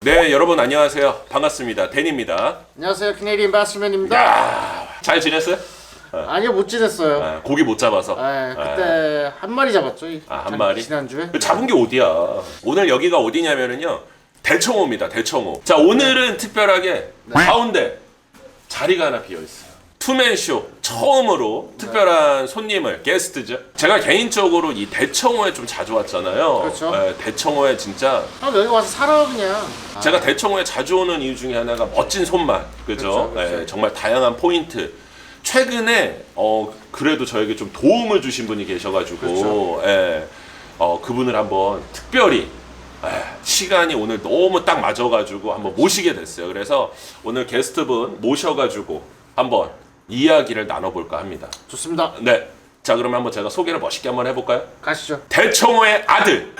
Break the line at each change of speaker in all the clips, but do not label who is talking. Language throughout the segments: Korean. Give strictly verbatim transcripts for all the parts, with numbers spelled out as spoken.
네, 여러분 안녕하세요. 반갑습니다. 댄입니다.
안녕하세요, 캐네디언 바스맨입니다.
야, 잘 지냈어요?
아니요, 못 지냈어요.
아, 고기 못 잡아서.
아, 그때 한 마리 잡았죠.
아, 한 마리?
지난주에.
그 잡은 게 어디야? 오늘 여기가 어디냐면은요. 대청호입니다. 대청호. 자, 오늘은 특별하게 가운데 자리가 하나 비어 있어요. 투맨쇼 처음으로 특별한 손님을 게스트죠. 제가 개인적으로 이 대청호에 좀 자주 왔잖아요.
그렇죠.
네, 대청호에 진짜
아, 여기 와서 살아 그냥.
제가 대청호에 자주 오는 이유 중에 하나가 멋진 손맛, 그죠?
그렇죠, 그렇죠.
네, 정말 다양한 포인트. 최근에 어 그래도 저에게 좀 도움을 주신 분이 계셔가지고,
그렇죠.
예, 어 그분을 한번 특별히 에, 시간이 오늘 너무 딱 맞아가지고 한번 모시게 됐어요. 그래서 오늘 게스트분 모셔가지고 한번 이야기를 나눠볼까 합니다.
좋습니다.
네, 자 그러면 한번 제가 소개를 멋있게 한번 해볼까요?
가시죠.
대청호의 아들,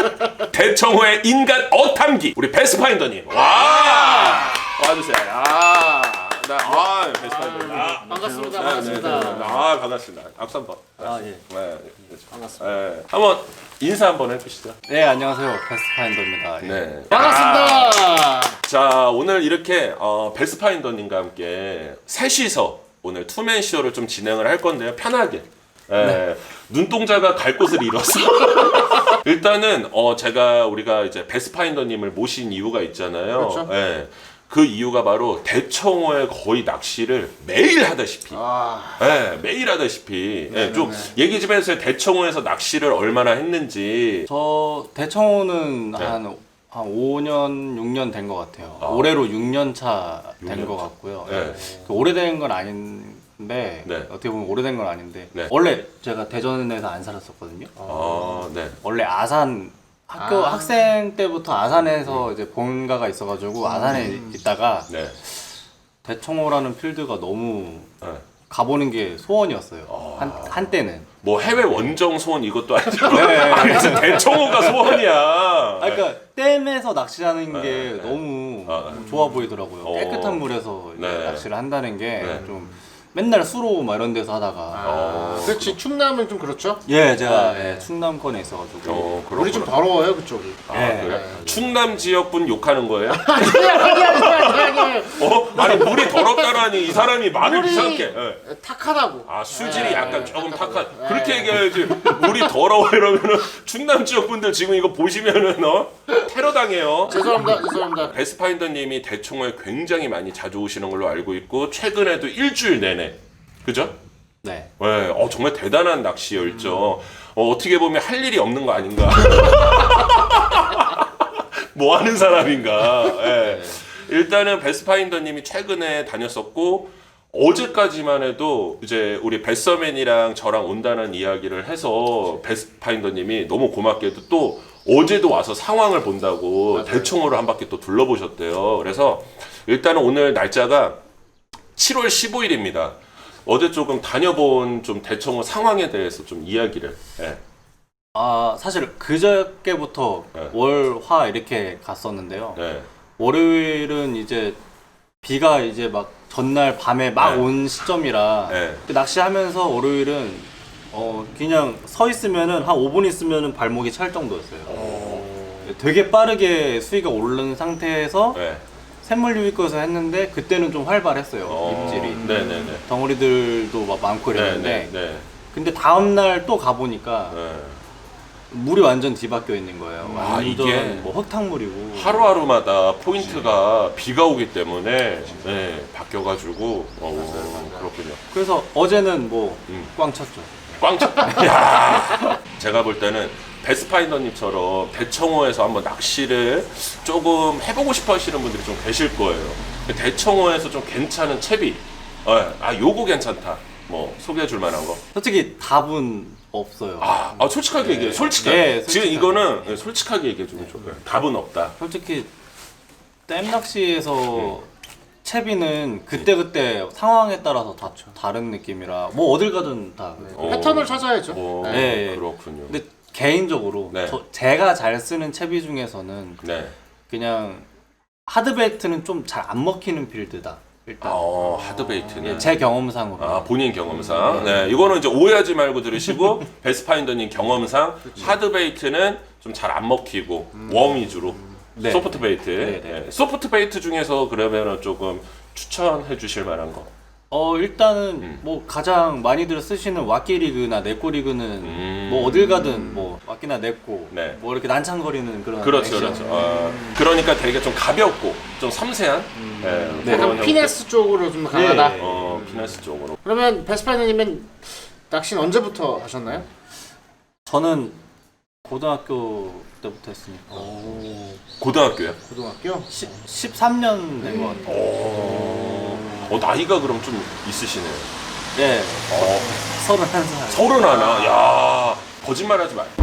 대청호의 인간 어탐기, 우리 베스파인더님. 와, 와주세요. 아, 나, 아, 베스파인더님. 아,
반갑습니다.
네,
반갑습니다.
네, 네, 네. 아, 반갑습니다. 악수 한번.
아, 예.
네,
반갑습니다.
네. 한번 인사 한번 해주시죠.
네, 안녕하세요. 베스트파인더입니다. 예.
네.
반갑습니다.
자, 오늘 이렇게 어, 베스파인더님과 함께 셋이서 오늘 투맨쇼를 좀 진행을 할 건데요. 편하게. 예,
네.
눈동자가 갈 곳을 잃었어. 일단은 어, 제가 우리가 이제 베스파인더님을 모신 이유가 있잖아요.
그렇죠.
예, 그 이유가 바로 대청호에 거의 낚시를 매일 하다시피.
아,
예, 매일 하다시피. 예,
네,
좀
네.
얘기 좀 해주세요. 대청호에서 낚시를 얼마나 했는지.
저 대청호는
네.
한, 한 오 년, 육 년 된 것 같아요.
아.
올해로 육 년 차 된
육
것
년 차.
같고요.
네.
그 오래된 건 아닌데,
네.
어떻게 보면 오래된 건 아닌데,
네.
원래 제가 대전에서 안 살았었거든요.
아, 네.
원래 아산, 학교
아.
학생 때부터 아산에서 이제 본가가 있어가지고 아산에 있다가
네.
대청호라는 필드가 너무
네.
가보는 게 소원이었어요.
아.
한, 한때는.
뭐 해외 원정 소원 이것도 아니고
네.
아니 진짜 대청호가 소원이야.
아, 그러니까 댐에서 낚시하는 게
네, 네.
너무
아,
좋아 보이더라고요.
어.
깨끗한 물에서 이제
네.
낚시를 한다는 게
네.
좀 맨날 수로 막 이런 데서 하다가
어.
그렇지. 충남은 좀 그렇죠.
예, 제가
네.
예, 충남권에 있어가지고
어, 그렇구나.
우리 좀 더러워요, 그쪽이.
아,
네.
그래?
네.
충남 지역분 욕하는 거예요?
아니야, 아니야, 아니야, 아니야.
어? 아니 물이 더럽다라니 이 사람이 말을
물이
이상하게. 예.
탁하다고.
아 수질이
네,
약간
네,
조금
탁하다고.
탁한.
네.
그렇게 얘기해야지. 물이 더러워 이러면은 충남 지역분들 지금 이거 보시면은 어 테러 당해요.
죄송합니다, 죄송합니다.
베스파인더님이 대청호에 굉장히 많이 자주 오시는 걸로 알고 있고 최근에도 일주일 내내 그죠?
네.
네, 어, 정말 대단한 낚시 열정. 어, 어떻게 보면 할 일이 없는 거 아닌가? 뭐 하는 사람인가? 예. 일단은 베스파인더님이 최근에 다녔었고 어제까지만 해도 이제 우리 베서맨이랑 저랑 온다는 이야기를 해서 베스파인더님이 너무 고맙게도 또 어제도 와서 상황을 본다고
맞아요.
대청호를 한 바퀴 또 둘러보셨대요. 그래서 일단은 오늘 날짜가 칠월 십오일입니다. 어제 조금 다녀본 좀 대청호 상황에 대해서 좀 이야기를. 예.
아 사실 그저께부터
네.
월, 화 이렇게 갔었는데요.
네.
월요일은 이제 비가 이제 막 전날 밤에 막
네.
온 시점이라
네.
낚시하면서 월요일은 어 그냥 서 있으면은 한 오 분 있으면은 발목이 찰 정도였어요. 되게 빠르게 수위가 오른 상태에서
네.
샘물 유입구에서 했는데 그때는 좀 활발했어요.
어,
입질이.
네네네.
덩어리들도 막 많고 이랬는데
네. 네.
근데 다음날 또 가보니까
네.
물이 완전 뒤바뀌어 있는 거예요.
아,
완전
이게
뭐 흙탕물이고.
하루하루마다 포인트가 비가 오기 때문에 네, 바뀌어가지고 어, 그렇군요.
그래서 어제는 뭐
음.
꽝 쳤죠.
꽝 쳤. 야, 제가 볼 때는 베스파인더님처럼 대청호에서 한번 낚시를 조금 해보고 싶어 하시는 분들이 좀 계실 거예요. 대청호에서 좀 괜찮은 채비. 어, 아, 요거 괜찮다. 뭐 소개해 줄 만한 거.
솔직히 답은 없어요.
아, 아 솔직하게
네.
얘기해. 솔직하게.
네,
지금
솔직하게.
이거는 네, 솔직하게 얘기해 주면 좋아요. 답은 없다.
솔직히 댐 낚시에서
음.
채비는 그때그때 상황에 따라서 다 다른 느낌이라 뭐 어딜 가든 다 그래요.
어.
패턴을 찾아야죠.
어,
네. 네.
그렇군요.
근데 개인적으로
네.
저, 제가 잘 쓰는 채비 중에서는
네.
그냥 하드베이트는 좀 잘 안 먹히는 필드다. 일단
어, 하드베이트는.
예, 제 경험상으로.
아, 본인 경험상. 네, 이거는 이제 오해하지 말고 들으시고 베스파인더님 경험상 하드베이트는 좀 잘 안 먹히고 웜 위주로.
네.
소프트 베이트.
네, 네.
네. 소프트 베이트 중에서 그러면은 조금 추천해 주실 만한 거.
어 일단은
음.
뭐 가장 많이들 쓰시는 왁기 리그나 네꼬 리그는
음.
뭐 어딜 가든 뭐 왁기나 네꼬
네.
뭐 이렇게 난창거리는 그런
그렇죠,
액션.
그렇죠. 어, 그러니까 되게 좀 가볍고 좀 섬세한. 예,
네.
그런
약간
형태.
피네스 쪽으로 좀 강하다.
네.
어, 피네스 쪽으로.
그러면 베스파이너님은 낚시는 언제부터 하셨나요?
저는 고등학교 때부터 했으니까
고등학교요?
고등학교?
십삼 년 된 것 같아요.
어, 어, 나이가 그럼 좀 있으시네요.
네,
어,
서른한 살.
서른 하나. 야, 거짓말하지 마.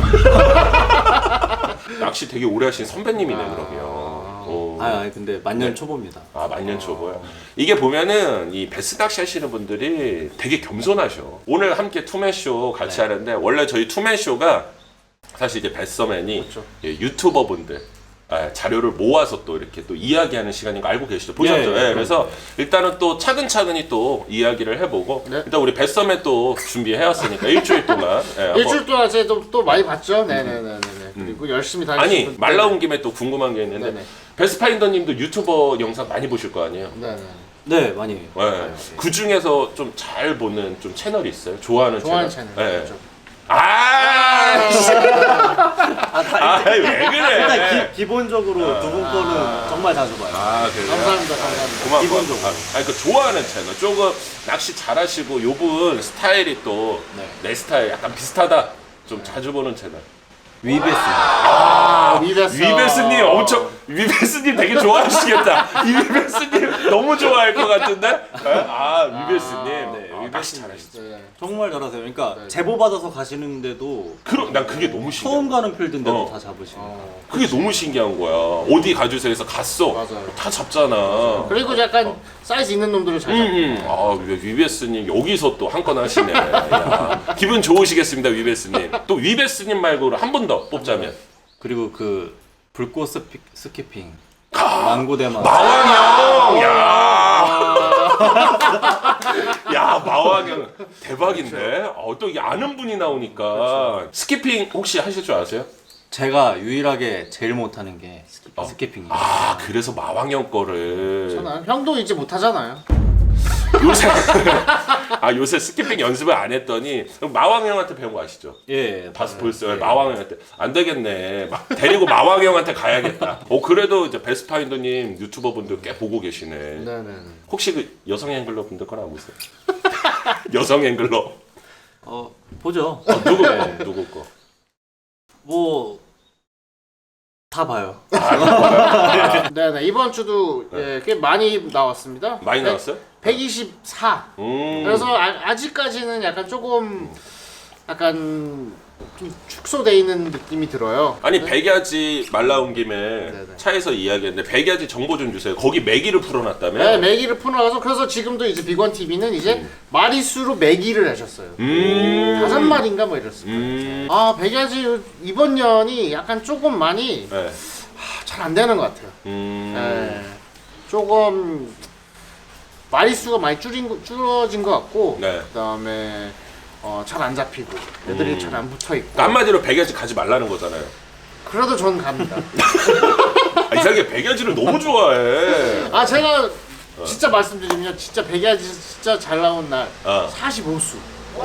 낚시 되게 오래 하신 선배님이네 그러면. 어.
아, 아니 근데 만년
네.
초보입니다.
아, 만년 초보요. 이게 보면은 이 베스 낚시 하시는 분들이 되게 겸손하셔. 오늘 함께 투맨 쇼 같이
네.
하는데 원래 저희 투맨 쇼가 사실 이제 베스맨이
그렇죠.
예, 유튜버 분들 아, 자료를 모아서 또 이렇게 또 이야기하는 시간인 거 알고 계시죠? 보셨죠?
예, 예,
예, 그래서 일단은 또 차근차근히 또 이야기를 해보고
네.
일단 우리 베스맨 또 준비해왔으니까 일주일 동안 예, 한번
일주일 동안 제가 또, 또 많이 봤죠? 네네네네. 그리고 열심히 다니시는
아니
분들.
말 나온 김에 또 궁금한 게 있는데
네네.
베스파인더님도 유튜버 영상 많이 보실 거 아니에요?
네네.
네, 많이.
네.
봐요.
그 중에서 좀 잘 보는 좀 채널이 있어요? 좋아하는,
좋아하는
채널?
채널.
네.
그렇죠.
아, 씨.
아, 다,
아, 왜 그래?
일단 기, 기본적으로 두 분 거는 정말 자주 봐요.
아, 그래요?
감사합니다. 감사합니다.
고마워.
기본적으로.
아, 아니, 그 좋아하는 채널. 조금 낚시 잘하시고 요분 스타일이 또 내
네.
스타일 약간 비슷하다. 좀 자주 보는 채널.
위베스.
아, 위베스.
위베스님 엄청 위베스님 되게 좋아하시겠다. 위베스님 너무 좋아할 것 같은데? 아, 위베스님.
네,
아, 낚시 잘하시죠.
네.
정말 잘하세요. 그러니까
네.
제보 받아서 가시는데도
그럼 난 그게 너무 신기해.
처음 가는 필드인데도
어.
다 잡으시고.
어.
그게 너무 신기한 거야. 어디 가주세요 해서 갔어.
맞아요.
다 잡잖아.
그리고 약간 사이즈 있는 놈들을 잘
음,
잡고.
음. 아, 위베스님 여기서 또 한 건 하시네. 야, 기분 좋으시겠습니다, 위베스님. 또 위베스님 말고 한 분 더 뽑자면.
그리고 그 불꽃 스피, 스키핑. 망고대만.
마왕형! 야! 야, 마왕형. 대박인데? 어, 또 이게 아는 분이 나오니까. 스키핑 혹시 하실 줄 아세요?
제가 유일하게 제일 못하는 게 스키,
어.
스키핑이에요.
아, 그래서 마왕형 거를.
저는 형도 이제 못하잖아요.
요새 아 요새 스키핑 연습을 안 했더니 마왕 형한테 배운 거 아시죠?
예,
다스
맞아요.
보였어요.
예.
마왕 형한테 안 되겠네. 막 데리고 마왕 형한테 가야겠다. 어 그래도 이제 베스파인더님 유튜버 분들 꽤 보고 계시네.
네네네.
혹시 그 여성 앵글러 분들 거나 안 보세요? 여성 앵글러
어, 보죠.
어, 누구 거? 누구 거?
뭐 다 봐요.
네네. 이번 주도 예, 꽤 많이 나왔습니다.
많이
백-
나왔어요?
백이십사.
음.
그래서 아, 아직까지는 약간 조금 약간 좀 축소돼 있는 느낌이 들어요.
아니 백야지 말 나온 김에
네네.
차에서 이야기했는데 백야지 정보 좀 주세요. 거기 매기를 풀어놨다며?
네, 매기를 풀어가서 그래서 지금도 이제 빅원 티비는 이제 마리수로 매기를 하셨어요.
음.
다섯 마리인가 뭐 이랬어요.
음.
아, 백야지 이번 년이 약간 조금 많이
네.
잘 안 되는 것 같아요.
음.
네. 조금 마리수가 많이 줄인 거- 줄어진 것 같고,
네.
그다음에 어, 잘 안 잡히고 애들이
음.
잘 안 붙어 있고.
그러니까 한마디로 백야지 가지 말라는 거잖아요.
그래도 전 갑니다.
아, 이상하게 백야지를 너무 좋아해.
아, 제가 진짜 말씀드리면 진짜 백야지 진짜 잘 나온 날
어.
사십오 수,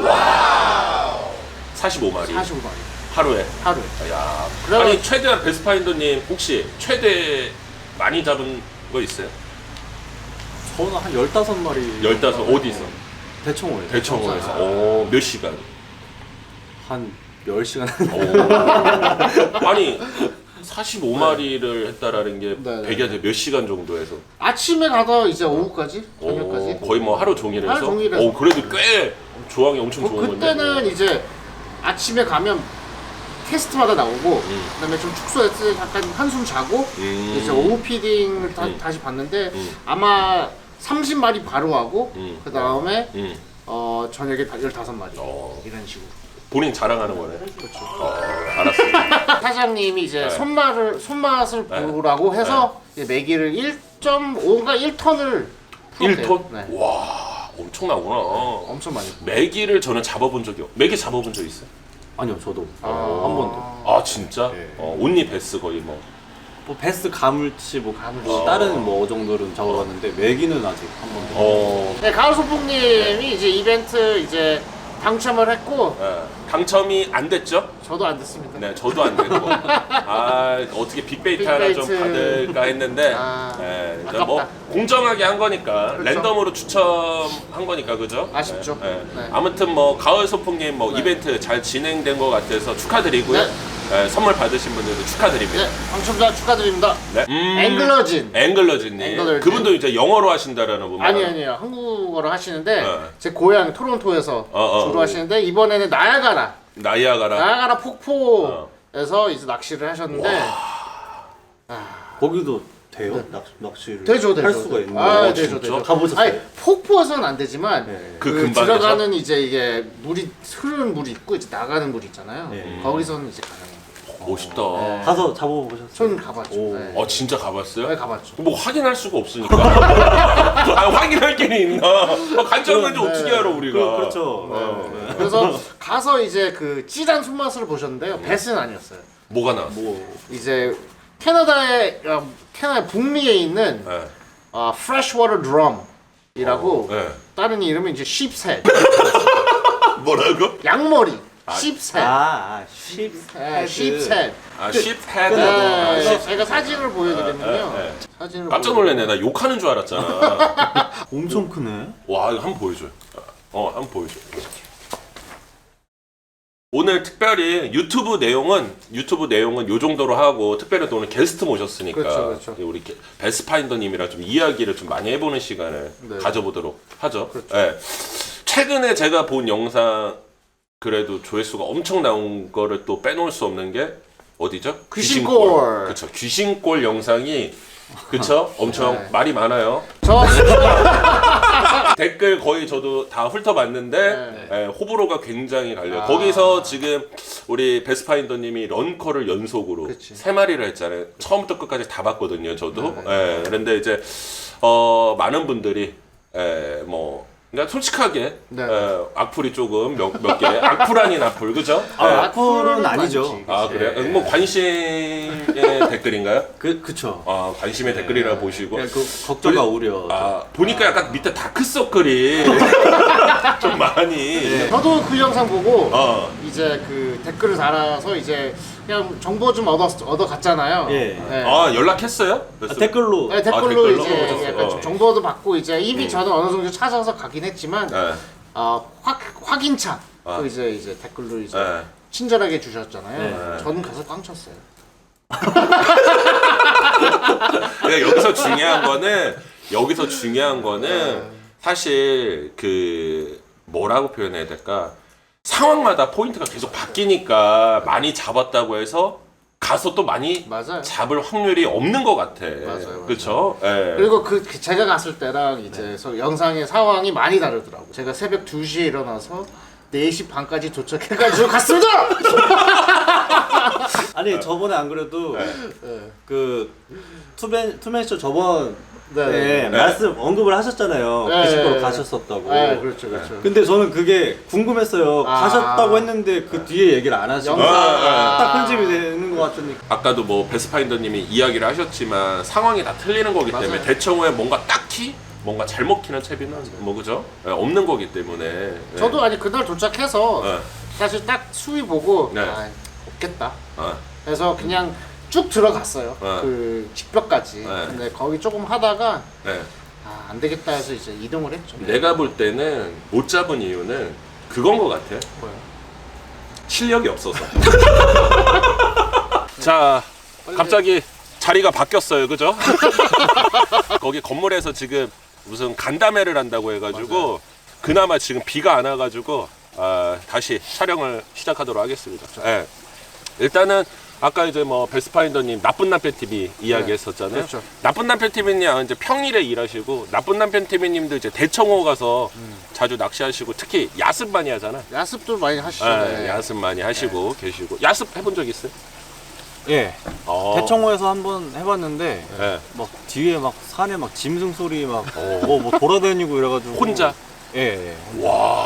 사십오 마리
사십오 마리
하루에.
하루에.
야.
그럼-
아니 최대한 베스파인더님 혹시 최대 많이 잡은 거 있어요?
저는 한 열다섯 마리.
열다섯 어디서?
대청호에.
대청호에서. 오, 몇 시간?
한 열 시간.
오. 아니 사십오 마리를 했다라는 게
네, 네.
백야지 몇 시간 정도 해서?
아침에 가서 이제 오후까지, 저녁까지.
오, 거의 뭐 하루 종일 해서?
하루 종일 해서.
오, 그래도 꽤 조항이 엄청
그,
좋은 건데.
그때는 이제 아침에 가면 캐스트마다 나오고,
음.
그다음에 좀 축소해서 약간 한숨 자고,
음.
이제 오후 피딩을 다,
음.
다시 봤는데
음.
아마 삼십 마리 바로 하고,
음.
그 다음에
음.
어, 저녁에 다 열다섯 마리
어.
이런 식으로.
본인 자랑하는 거네.
그렇죠.
어, 알았어.
사장님이 이제
네.
손맛을 손맛을
네.
보라고 해서 이제 매기를 일 점 오인가 일 톤을
일 톤?
네.
와, 엄청나구나.
엄청 많이.
메기를 저는 잡아본 적이 없. 메기 잡아본 적 있어요?
아니요, 저도
아.
한 번도.
아 진짜?
네.
어, 온리 베스 거의 뭐.
뭐 베스 가물치 뭐
가물치.
뭐 다른 뭐 정도는 적어봤는데 메기는 아직 한 번도.
어.
네, 가을 소풍님이 이제 이벤트 이제 당첨을 했고
예. 당첨이 안 됐죠?
저도 안 됐습니다.
네, 저도 안 됐고. 아, 어떻게 빅베이트 하나 좀
빅베이트.
받을까 했는데,
아,
예, 이제
아깝다.
뭐 공정하게 한 거니까,
그렇죠.
랜덤으로 추첨한 거니까, 그죠?
아쉽죠.
예, 예.
네.
아무튼 뭐 가을 소풍님 뭐
네.
이벤트 잘 진행된 것 같아서 축하드리고요.
네.
예, 선물 받으신 분들도 축하드립니다.
네, 당첨자 축하드립니다.
네. 음,
앵글러진.
앵글러진님.
앵글러진.
그분도 이제 영어로 하신다라는 분.
아니 아니요 한국어로 하시는데
네.
제 고향 토론토에서
어, 어,
주로
어.
하시는데 이번에는 나야가라
나이아가라.
나야가라 폭포에서 이제 낚시를 하셨는데
거기도 돼요? 낚, 낚시를
되죠 되죠
할 수가 있는
아
거예요?
되죠
진짜?
되죠
가보셨어요?
아니 폭포에서는 안 되지만
네.
그
그,
근방에서?
들어가는 이제 이게 물이 흐르는 물이 있고 이제 나가는 물이 있잖아요
네.
거기서는 이제 가능해요
멋있다.
네.
가서 잡아보셨어요?
손 가봤죠
오.
네.
어, 진짜 가봤어요?
네, 가봤죠
뭐 확인할 수가 없으니까. 아, 확인할 게 있나? 아, 간장은 좀
네.
어떻게 알아 우리가?
그, 그렇죠.
네.
네.
그래서 가서 이제 그 찌란 손맛을 보셨는데요 배스는 아니었어요
뭐가 나왔어?
뭐
이제 캐나다의 어, 캐나다 북미에 있는
네.
어, freshwater drum이라고
네.
다른 이름은 이제 sheep's
뭐라고?
양머리 sheep's head
아, 아 쉽.
네, sheep's head
아, 십 헤드.
네,
십.
제가 사진을 보여드리면요
네, 네.
사진을
깜짝 놀랐네. 나 욕하는 줄 알았잖아.
엄청 크네.
와, 이거 한번 보여줘. 어, 한번 보여줘. 오늘 특별히 유튜브 내용은 유튜브 내용은 요 정도로 하고 특별히 또 오늘 게스트 모셨으니까
그렇죠, 그렇죠.
우리 게- 베스파인더님이랑 좀 이야기를 좀 많이 해보는 시간을
네.
가져보도록 하죠.
그렇죠.
예. 최근에 제가 본 영상 그래도 조회수가 엄청 나온 거를 또 빼놓을 수 없는 게 어디죠?
귀신골.
그렇죠. 귀신골 영상이 그렇죠. 엄청
네.
말이 많아요.
저
댓글 거의 저도 다 훑어봤는데
네.
예, 호불호가 굉장히 갈려요.
아.
거기서 지금 우리 베스파인더님이 런커를 연속으로
그치.
세 마리를 했잖아요. 처음부터 끝까지 다 봤거든요. 저도.
네.
예, 그런데 이제 어, 많은 분들이 예, 뭐 그냥 솔직하게
네.
예, 악플이 조금 몇, 몇 개. 악플 아닌 악플, 그죠?
아,
예.
악플은 아니죠.
많지,
아
그치.
그래요? 뭐 관심의 댓글인가요?
그 그쵸.
아 관심의 댓글이라 보시고.
그냥 그 걱정과 우려.
아 보니까 약간 밑에 다크서클이 좀 많이.
저도 그 영상 보고
어.
이제 그 댓글을 달아서 이제 그냥 정보 좀 얻어 얻어 갔잖아요.
예.
네.
아 연락했어요?
아, 댓글로.
네, 댓글로,
아, 댓글로?
이제 약간
어.
좀 정보도 받고 이제 이미 저는 어느 정도 찾아서 가긴 했지만
네.
어, 확 확인차
아.
또 이제 이제 댓글로 이제
네.
친절하게 주셨잖아요.
네.
저는 가서 꽝 쳤어요.
그러니까 여기서 중요한 거는 여기서 중요한 거는
네.
사실 그 뭐라고 표현해야 될까? 상황마다 포인트가 계속 바뀌니까 많이 잡았다고 해서 가서 또 많이
맞아요.
잡을 확률이 없는 것 같아.
맞아요.
그렇죠? 예.
그리고 그, 그 제가 갔을 때랑 이제 서 영상의 상황이 많이 다르더라고. 제가 새벽 두 시에 일어나서 네 시 반까지 도착해가지고 갔습니다.
아니 저번에 안 그래도
네.
그 투맨 투맨쇼 저번
네.
네,
네.
말씀 언급을 하셨잖아요.
네.
귀신골 가셨었다고.
네, 그렇죠, 그렇죠.
근데 저는 그게 궁금했어요.
아.
가셨다고 했는데 그 뒤에 얘기를 안 하시고
영상
아,
딱 편집이 되는 것 같으니까.
아까도 뭐 베스파인더님이 이야기를 하셨지만 상황이 다 틀리는 거기 때문에
맞아요.
대청 후에 뭔가 딱히 뭔가 잘 먹히는 채비는 뭐 그죠? 예, 없는 거기 때문에. 예.
저도 아니 그날 도착해서
예.
사실 딱 수위 보고
네.
아, 없겠다.
어.
그래서 그냥 쭉 들어갔어요.
네.
그 직벽까지.
네.
근데 거기 조금 하다가
예.
아, 안 되겠다 해서 이제 이동을 했죠.
내가 볼 때는 못 잡은 이유는 그건 것 같아.
뭐요?
실력이 없어서. 자, 갑자기 자리가 바뀌었어요, 그죠? 거기 건물에서 지금 무슨 간담회를 한다고 해가지고 그나마 지금 비가 안 와가지고 아, 다시 촬영을 시작하도록 하겠습니다. 예. 일단은 아까 이제 뭐 베스파인더님 나쁜 남편 티비 이야기했었잖아요.
그렇죠.
나쁜 남편 티비님 이제 평일에 일하시고 나쁜 남편 티비님도 이제 대청호 가서 자주 낚시하시고 특히 야습 많이 하잖아.
야습도 많이 하시죠.
예,
네.
야습 많이 하시고 계시고 야습 해본 적 있어요?
예.
어.
대청호에서 한번 해봤는데
예.
막 뒤에 막 산에 막 짐승 소리 막
어.
뭐 뭐 돌아다니고 이래가지고
혼자?
예. 예.
와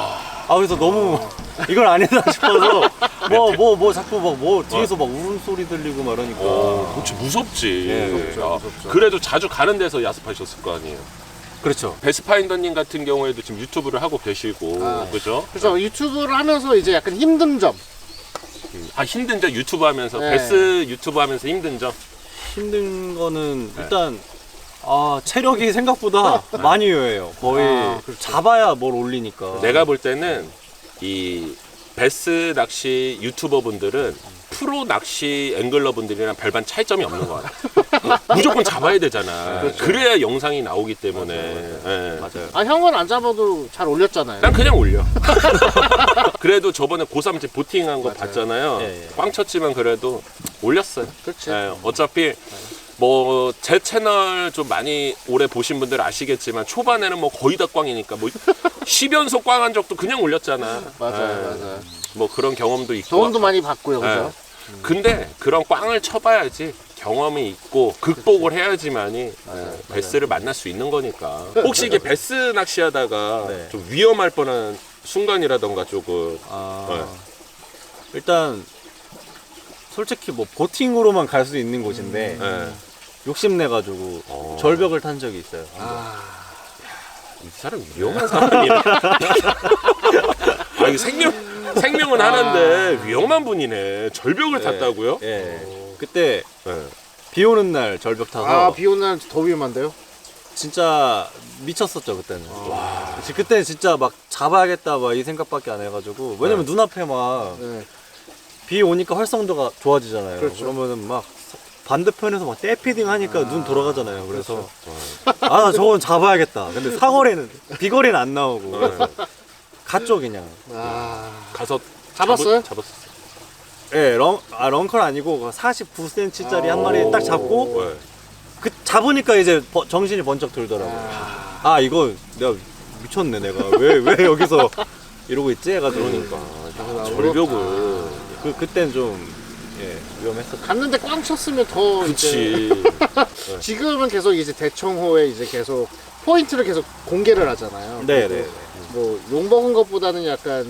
아 그래서 너무 이걸 아니다 싶어서 뭐 뭐 뭐 자꾸 막 뭐 뒤에서 막 울음소리 들리고 막 이러니까
어, 그렇지 무섭지.
예,
무섭죠,
아,
무섭죠.
그래도 자주 가는 데서 야습하셨을 거 아니에요.
그렇죠.
베스파인더님 같은 경우에도 지금 유튜브를 하고 계시고,
아.
그죠?
그래서 유튜브를 하면서 이제 약간 힘든 점.
아 힘든 점 유튜브 하면서
네.
베스 유튜브 하면서 힘든 점.
힘든 거는 일단 아 체력이 생각보다 많이 요해요. 거의
아, 그렇죠.
잡아야 뭘 올리니까.
내가 볼 때는 이 베스 낚시 유튜버 분들은 프로 낚시 앵글러 분들이랑 별반 차이점이 없는 것 같아. 무조건 잡아야 되잖아. 그래야 영상이 나오기 때문에. 예.
맞아요.
아 형은 안 잡아도 잘 올렸잖아요.
난 그냥 올려. 그래도 저번에 고삼 때 보팅한 거
맞아요.
봤잖아요.
예, 예.
꽝 쳤지만 그래도 올렸어요.
그렇지.
예, 어차피 뭐 제 채널 좀 많이 오래 보신 분들 아시겠지만 초반에는 뭐 거의 다 꽝이니까 뭐 십 연속 꽝한 적도 그냥 올렸잖아.
맞아요,
예,
맞아요.
뭐 그런 경험도 있고.
도움도 많이 받고요, 그죠?
예. 근데 그런 꽝을 쳐봐야지 경험이 있고 극복을 해야지만이 예, 베스를 만날 수 있는 거니까. 혹시 이게 베스 낚시하다가
네.
좀 위험할 뻔한 순간이라던가 조금.
아,
네.
일단 솔직히 뭐 보팅으로만 갈 수 있는 곳인데
예.
욕심내가지고
어.
절벽을 탄 적이 있어요.
아,
이 사람 위험한 사람이네. 아, 이거 생명, 생명은 하나인데 위험한 분이네. 절벽을 탔다고요?
예. 그때
예.
비 오는 날 절벽 타서
아, 비 오는 날 더 위험한데요?
진짜 미쳤었죠 그때는. 와. 그때 진짜 막 잡아야겠다 막 이 생각밖에 안 해가지고 왜냐면
네.
눈앞에 막 비
네.
오니까 활성도가 좋아지잖아요.
그렇죠.
그러면은 막 반대편에서 막 떼피딩 하니까 눈 돌아가잖아요. 그래서
그렇죠.
아 나 저건 잡아야겠다. 근데 사거리는 비거리는 안 나오고 그래서 갔죠 그냥.
아,
가서
잡았어요?
잡았, 잡았어.
예, 렁, 아, 렁컬 아니고 사십구 센티미터짜리 한 마리 딱 잡고
네.
그 잡으니까 이제 버- 정신이 번쩍 들더라고요. 아 이거 내가 미쳤네 내가 왜 왜 여기서 이러고 있지 해가지고
그러니까.
아,
절벽을.
그 그땐 좀 예, 위험했었죠.
갔는데 꽝 쳤으면 더 이제
그치.
지금은 계속 이제 대청호에 이제 계속 포인트를 계속 공개를 하잖아요.
네,
그리고
네.
뭐 욕먹은 것보다는 약간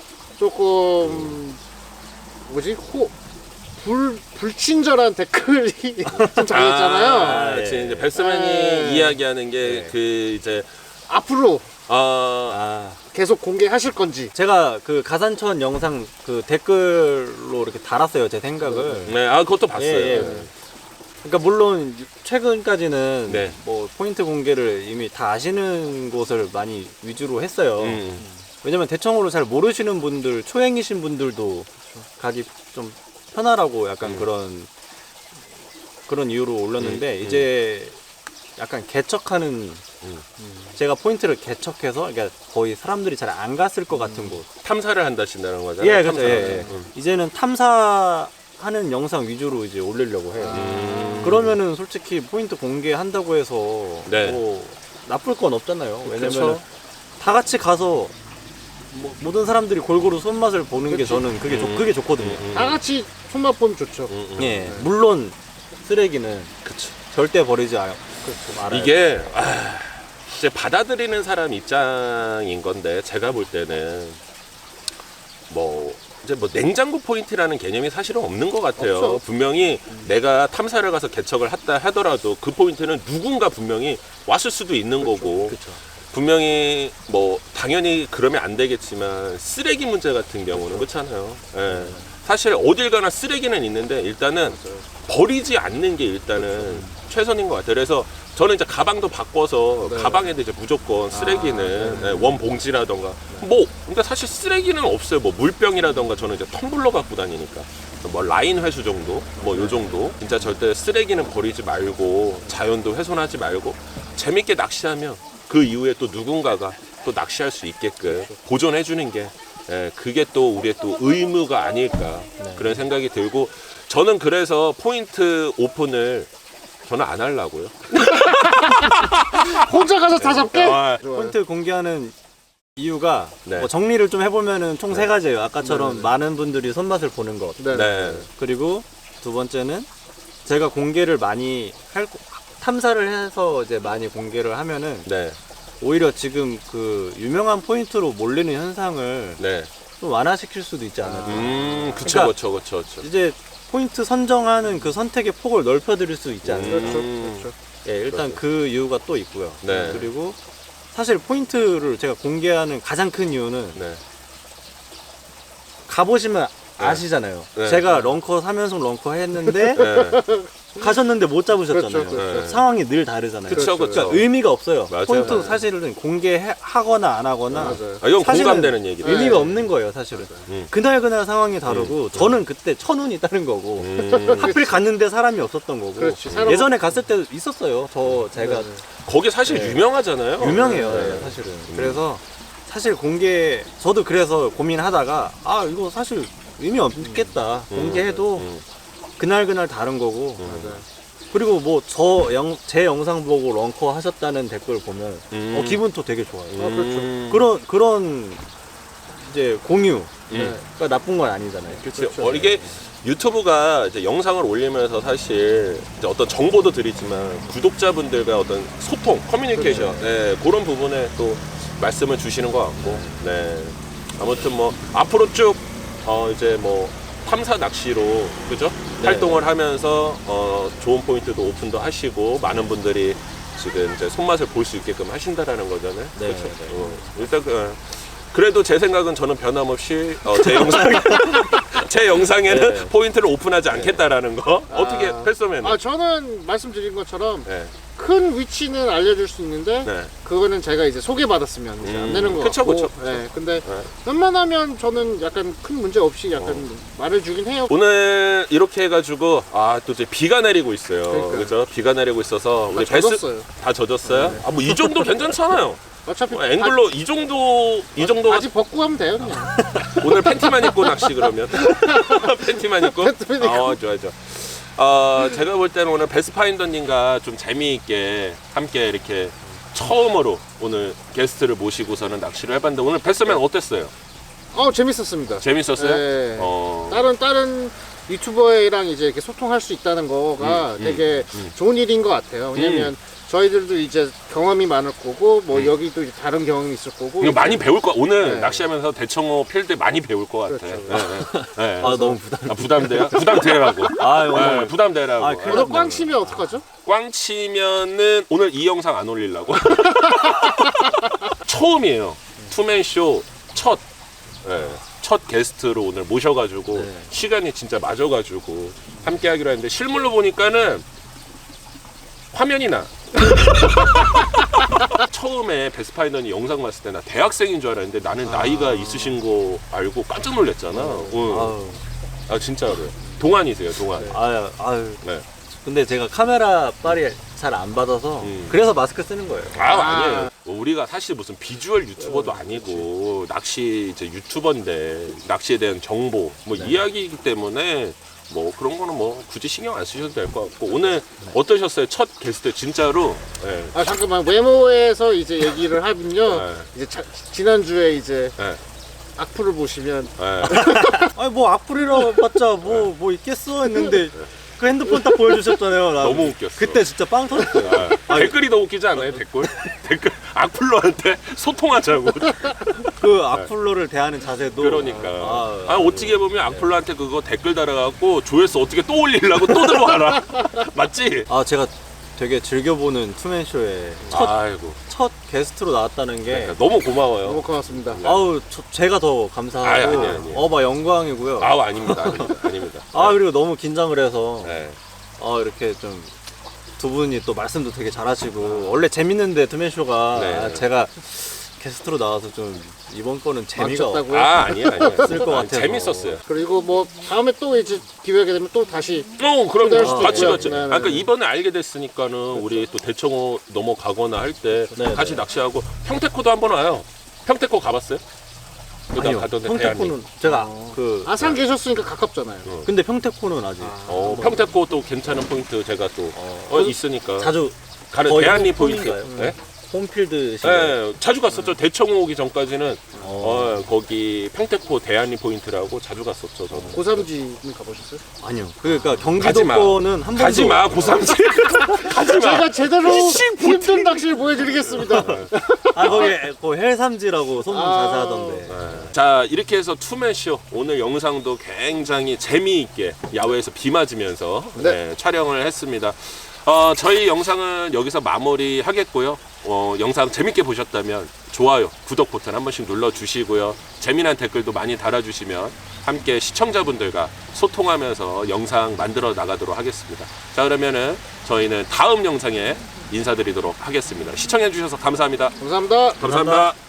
조금 뭐지 호, 불 불친절한 댓글이 좀 달렸잖아요.
아,
예.
그치. 이제 베스맨이
네.
이야기하는 게
네.
그 이제,
앞으로
아,
아
계속 공개하실 건지.
제가 그 가산천 영상 그 댓글로 이렇게 달았어요 제 생각을.
네, 아, 그것도 봤어요.
예, 예. 그러니까 물론 최근까지는
네.
뭐 포인트 공개를 이미 다 아시는 곳을 많이 위주로 했어요.
음.
왜냐면 대청호를 잘 모르시는 분들, 초행이신 분들도 가기 좀 편하라고 약간
음.
그런 그런 이유로 올렸는데
음, 음.
이제 약간 개척하는
음.
제가 포인트를 개척해서 그러니까 거의 사람들이 잘 안 갔을 것 같은 곳.
탐사를 한다신다는 거잖아요.
예, 그렇죠.
탐사를.
예, 예.
음.
이제는 탐사하는 영상 위주로 이제 올리려고 해요.
음.
그러면은 솔직히 포인트 공개한다고 해서
네.
뭐 나쁠 건 없잖아요. 왜냐면
그쵸.
다 같이 가서 뭐 모든 사람들이 골고루 손맛을 보는 게
그쵸.
저는 그게 좋
음.
그게 좋거든요.
음.
다 같이 손맛 보면 좋죠.
음, 음.
예, 물론 쓰레기는
그쵸.
절대 버리지 않, 좀 알아요.
이게 아, 이제 받아들이는 사람 입장인 건데 제가 볼 때는 뭐 이제 뭐 냉장고 포인트라는 개념이 사실은 없는 것 같아요.
없죠.
분명히 내가 탐사를 가서 개척을 했다 하더라도 그 포인트는 누군가 분명히 왔을 수도 있는 거고
그렇죠.
분명히 뭐 당연히 그러면 안 되겠지만 쓰레기 문제 같은 경우는 그렇잖아요. 예. 사실 어딜 가나 쓰레기는 있는데 일단은 버리지 않는 게 일단은 최선인 것 같아요. 그래서 저는 이제 가방도 바꿔서
네.
가방에도 이제 무조건 쓰레기는 예, 원 봉지라던가 뭐 근데 사실 쓰레기는 없어요. 뭐 물병이라던가 저는 이제 텀블러 갖고 다니니까 뭐 라인 회수 정도 뭐 요 정도 진짜 절대 쓰레기는 버리지 말고 자연도 훼손하지 말고 재밌게 낚시하면 그 이후에 또 누군가가 또 낚시할 수 있게끔 보존해 주는 게 예, 그게 또 우리의 또 의무가 아닐까 그런 생각이 들고 저는 그래서 포인트 오픈을 저는 안 하려고요.
혼자 가서 다 잡게?
아,
좋아요.
포인트 공개하는 이유가
네.
뭐 정리를 좀 해보면은 총 세 가지예요. 아까처럼
네, 네.
많은 분들이 손맛을 보는 것.
네.
네.
그리고 두 번째는 제가 공개를 많이 할 탐사를 해서 이제 많이 공개를 하면은
네.
오히려 지금 그 유명한 포인트로 몰리는 현상을
네.
좀 완화시킬 수도 있지 않을까.
음, 그쵸,
그러니까
그쵸, 그쵸, 그쵸.
이제 포인트 선정하는 그 선택의 폭을 넓혀드릴 수 있지 않을까.
그렇죠,
음.
그렇죠.
예, 일단 그 이유가 또 있고요.
네.
그리고 사실 포인트를 제가 공개하는 가장 큰 이유는
네.
가보시면 아시잖아요.
네.
제가 렁커 삼 연속 렁커 했는데
네.
가셨는데 못 잡으셨잖아요.
그렇죠, 그렇죠.
네.
상황이 늘 다르잖아요.
그쵸, 그쵸.
그러니까 의미가 없어요.
맞아요.
포인트
맞아요.
사실은 공개하거나 안 하거나
맞아요.
아, 이건
사실은
공감되는 얘기다.
의미가
네.
없는 거예요, 사실은.
음.
그날 그날 상황이 다르고 저는 그때 천운이 다른 거고
음.
하필 갔는데 사람이 없었던 거고
그렇지, 사람-
예전에 갔을 때도 있었어요. 저 제가
네.
거기 사실
네.
유명하잖아요.
유명해요,
네.
예, 사실은. 그래서 사실 공개 저도 그래서 고민하다가 아 이거 사실 의미 없겠다. 공개해도
음.
그날 그날 다른 거고.
맞아요.
그리고 뭐 저 영 제 영상 보고 런커 하셨다는 댓글 보면
음.
어, 기분도 되게 좋아요.
음.
그런 그런 이제 공유가
음.
나쁜 건 아니잖아요.
그렇죠. 어, 이게 유튜브가 이제 영상을 올리면서 사실 이제 어떤 정보도 드리지만 구독자분들과 어떤 소통, 커뮤니케이션, 네, 그런 부분에 또 말씀을 주시는 것 같고, 네. 아무튼 뭐 앞으로 쭉 어, 이제 뭐 탐사 낚시로 그죠?
네.
활동을 하면서 어, 좋은 포인트도 오픈도 하시고 많은 분들이 지금 이제 손맛을 볼 수 있게끔 하신다라는 거잖아요.
네,
그렇죠.
네.
어, 일단 그, 그래도 제 생각은 저는 변함없이 어, 제 영상 제 영상에는
네.
포인트를 오픈하지 않겠다라는 거 어떻게
아.
패스맨은?
아 저는 말씀드린 것처럼
네.
큰 위치는 알려줄 수 있는데
네.
그거는 제가 이제 소개받았으면 이제
음,
안 되는 거
그쵸,
같고
그쵸, 그쵸.
네, 근데
네.
웬만하면 저는 약간 큰 문제 없이 약간 말해주긴 해요.
오늘 이렇게 해가지고 아 또 이제 비가 내리고 있어요.
그러니까요.
그죠? 비가 내리고 있어서 우리
다 젖었어요.
다 젖었어요?
네.
아 뭐 이 정도 괜찮잖아요.
어차피
뭐 앵글로 이 정도 이 정도가
바지 벗고 하면 돼요 그냥.
오늘 팬티만 입고 낚시 그러면 팬티만 입고
팬티만 입고.
아 좋아 좋아 어, 제가 볼 때는 오늘 베스파인더님과 좀 재미있게 함께 이렇게 처음으로 오늘 게스트를 모시고서는 낚시를 해봤는데 오늘 베스맨 어땠어요?
어 재밌었습니다.
재밌었어요?
네.
어,
다른 다른 유튜버랑 이제 이렇게 소통할 수 있다는 거가
음, 음,
되게
음.
좋은 일인 것 같아요. 왜냐면 저희들도 이제 경험이 많을 거고 뭐
음.
여기도 이제 다른 경험이 있을 거고
이거 많이 배울 거 오늘
네.
낚시하면서 대청호 필드 많이 배울 것 같아.
그렇죠.
네, 네. 네.
아 너무 부담.
아, 부담돼요? 부담되라고.
아
네,
오늘
부담되라고.
아, 큰일
오늘 꽝 치면 어떡하죠?
꽝 치면은 오늘 이 영상 안 올리려고. 처음이에요. 투맨쇼 첫, 네, 첫 게스트로 오늘 모셔가지고
네.
시간이 진짜 맞아가지고 함께 하기로 했는데 실물로 보니까는 화면이 나. 처음에 베스파이더니 영상 봤을 때 나 대학생인 줄 알았는데 나는 나이가 있으신 거 알고 깜짝 놀랐잖아. 응.
아유,
아 진짜로요. 동안이세요, 동안.
아유, 아유.
네.
근데 제가 카메라 빨이 잘 안 받아서
음.
그래서 마스크 쓰는 거예요.
아, 아니에요. 우리가 사실 무슨 비주얼 유튜버도 아니고 낚시 이제 유튜버인데 낚시에 대한 정보 뭐 이야기이기 때문에 뭐 그런 거는 뭐 굳이 신경 안 쓰셔도 될 것 같고 오늘 어떠셨어요? 첫 게스트 진짜로. 네.
아 잠깐만 외모에서 이제 얘기를 하면요.
네.
이제 자, 지난주에 이제
네.
악플을 보시면
네.
아니 뭐 악플이라 봤자 뭐 뭐 있겠어 했는데 그 핸드폰 딱 보여주셨잖아요. 나
너무 웃겼어.
그때 진짜 빵 터졌어요.
아, 댓글이 더 웃기지 않아요? 댓글? 댓글 악플러한테 소통하자고.
그 악플러를 대하는 자세도
그러니까.
아,
아, 어떻게 보면 악플러한테 그거 댓글 달아갖고 조회수 어떻게 또 올리려고 또 들어와라. 맞지?
아 제가 되게 즐겨보는 투맨쇼에 첫,
아이고.
첫 게스트로 나왔다는 게
너무 고마워요.
너무 고맙습니다.
아우 저, 제가 더 감사하고
아니, 아니, 아니.
어막 영광이고요.
아우 아닙니다, 아닙니다, 아닙니다.
아 그리고 너무 긴장을 해서
네.
어 이렇게 좀 두 분이 또 말씀도 되게 잘하시고 원래 재밌는데 투맨쇼가
네.
아, 제가 게스트로 나와서 좀 이번 거는 재미가
망쳤다고요?
아 아니야 아니야.
없을 것
아니,
같아서
재밌었어요.
그리고 뭐 다음에 또 이제 기회가 되면 또 다시
어 그럼
초대할 수도
같이
있고요.
같이.
네, 네,
아, 그러니까
네.
이번에 알게 됐으니까는 우리 또 대청호 넘어가거나 할 때
네,
같이
네.
낚시하고 평택호도 한번 와요. 평택호 가봤어요? 그다
아니요
가던데
평택코는
대한님.
제가 그
아산 계셨으니까 가깝잖아요.
근데 평택코는 아직
어 평택호 또 괜찮은 포인트 제가 또 어, 있으니까
자주
가는
거의
대한리
홈-
포인트.
홈인가요?
네?
홈필드
네, 자주 갔었죠. 대청호 오기 전까지는 어, 거기 평택포 대한리 포인트라고 자주 갔었죠. 저는.
고삼지는 가보셨어요?
아니요. 그러니까
가지
경기도
마.
거는 한 번도
가지 마 고삼지. 가지 마.
제가 제대로
이씨,
힘든 낚시를 보여드리겠습니다.
아 거기 그 헬삼지라고 소문
아.
자세 하던데.
자 이렇게 해서 투맨쇼 오늘 영상도 굉장히 재미있게 야외에서 비 맞으면서
네.
네, 촬영을 했습니다. 어, 저희 영상은 여기서 마무리하겠고요. 어, 영상 재밌게 보셨다면 좋아요, 구독 버튼 한 번씩 눌러주시고요. 재미난 댓글도 많이 달아주시면 함께 시청자분들과 소통하면서 영상 만들어 나가도록 하겠습니다. 자 그러면은 저희는 다음 영상에 인사드리도록 하겠습니다. 시청해주셔서 감사합니다.
감사합니다.
감사합니다.